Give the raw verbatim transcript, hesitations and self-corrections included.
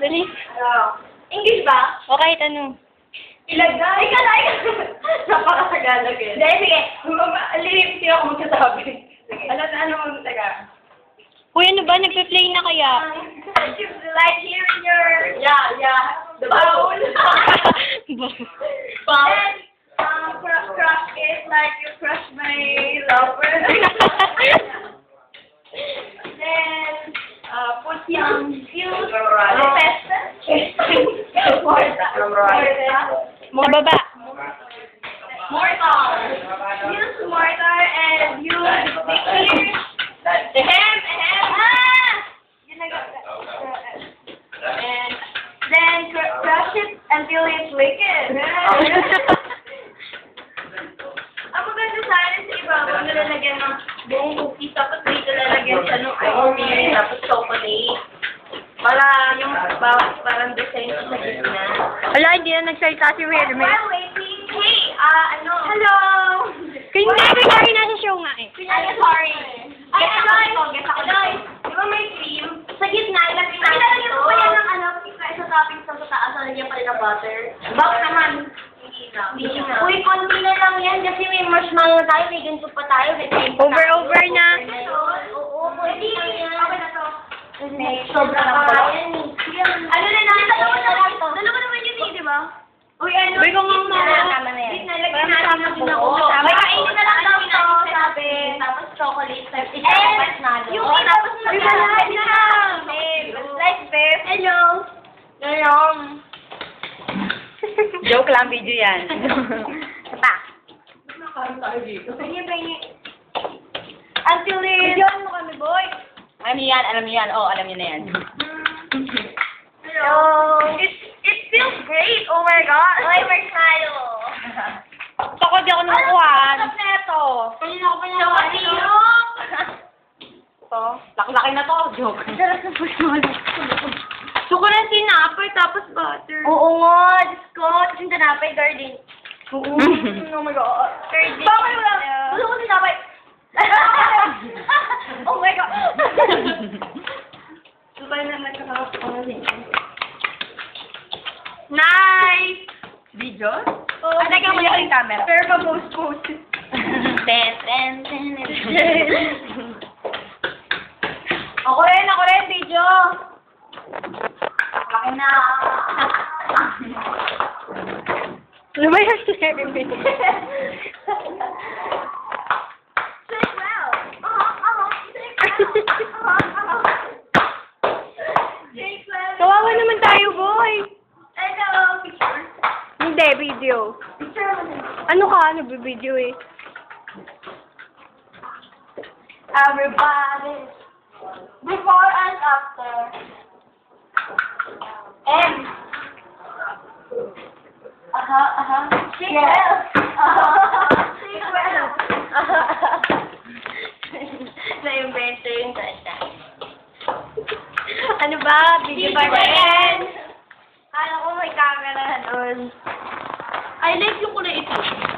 Dali. Uh, English ba? O kahit ano. Ilagay ka na. Napaka-Tagalog eh. Dahil sige, lilim siya ako magsasabi. Ano na ano magsasaga? Uy, ano ba? Nagpe-play na kaya? Like here in your... Yeah, yeah. The bowl. Bowl. Then, um, crush, crush is like you crush my lover. Then, uh, put some fuse. Pesta. Morta. Sa baba. Mortar. Use mortar and use liquid. Ahem, ahem. Ah! Yun na ga- And then cr- crush it until it's liquid. Ang maganda sana sa iba, kung nalalagyan ng buong cookies, tapos dito lalagyan siya ng ice cream, tapos chocolate. Para yung bawat parang design sa gitna. Wala, hindi na nagsalita si Will. May... While waiting, hey, ah, ano? Hello! Kaya hindi, kaya nasa show nga eh. Ay, sorry. Ay, Adoy! Adoy! Di ba may cream? Sa gitna, ilagay natin ito. Ilalagyan mo pa yan ng ano, sa toppings sa taas, nalagyan pa rin ng butter. Bak naman. Hindi na. Hindi na. Uy, konti na lang yan kasi may marshmallow tayo, may ganito pa tayo. May cream pa Over, tayo. over na. Oo, konti na yan. Okay na to. May sobra na pa yan. Ano na natin? Dalawa naman. Dalawa naman yun eh, di ba? Uy, ano? Uy, kung ang mga... Tama na yan. Nalagyan natin din ako. May kainin na lang daw ito, sabi. Tapos chocolate. And, yung tapos na lang. Like, babe. Hello. Hello. Joke lang, video yan. Pa. Until it... Videoan mo kami, boy. Alam niyo yan, alam niyo yan. Oo, alam niyo na yan. Hello. It, it feels great. Oh my God. Oy, marshmallow. Ako, di ako nakukuhaan. Ano na ito? Kanina ako pa niya Chocolate. Ito. Laki-laki na to. Joke. Sarap ng marshmallow. Suko na sinapay, tapos butter. Oo nga. Diyos ko. Tapos yung tanapay, garden. Oo. Oh my God. Garden. Bakit wala? Gusto ko sinapay. Oh my God. Sabay na nagkakapang Nice! Video? Oh, Ah, teka, mali ko yung camera. Pero pa post-post. Ten, ten, ten. Ako rin, ako rin, video. Ako na. Ano ba yung sinabi mo? Say well. Uh-huh, uh-huh. Say well. Uh-huh, uh-huh. Say well. Kawawa naman tayo, boy. Hello, picture. Hindi, video. Picture mo din. Ano ka? Nagbe-video eh. Everybody. Before and after. M. Aha, aha. Say well. Uh-huh. Say well. Na-invento yung tata. Ano ba? Video ba rin? Kala ko may camera na doon. I like yung kulay ito.